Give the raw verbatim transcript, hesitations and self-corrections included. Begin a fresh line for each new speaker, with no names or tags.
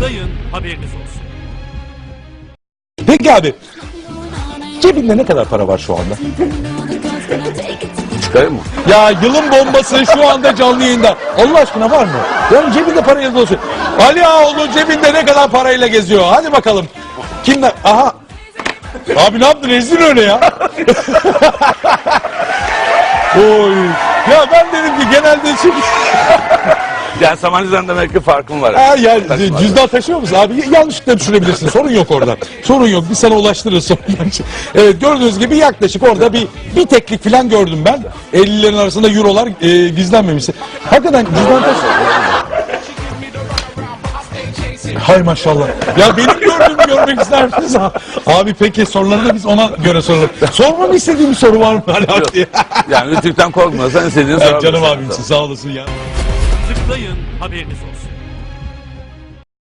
Tıklayın, haberiniz olsun.
Peki abi, cebinde ne kadar para var şu anda?
Çıkarayım mı?
Ya yılın bombası şu anda canlı yayında. Allah aşkına var mı? Yani cebinde para yazılı olsun. Ali Ağaoğlu cebinde ne kadar parayla geziyor? Hadi bakalım. Kimler? Aha. Abi ne yaptın? Rezil öyle ya. Oy. Ya ben dedim ki genelde şey...
Yani Samaniza'dan demek ki farkım var.
Ha, ya,
Taşıma.
cüzdan taşıyor musun abi? Yanlışlıkla düşürebilirsin. Sorun yok orada. Sorun yok. Biz sana ulaştırırız sonra. Evet, gördüğünüz gibi yaklaşık orada bir bir teklik falan gördüm ben. ellilerin arasında eurolar e, gizlenmemiş. Hakikaten cüzdan taşıyor. Hay maşallah. Ya benim gördüğümü görmek ister misiniz? Abi peki soruları da biz ona göre soralım. Sormamı istediğim bir soru var mı hala diye.
Yani Rütük'ten korkmasan istediğini
Ya
sorabilirsin.
canım abimsin, sağ olasın ya.
Tıklayın, haberiniz olsun.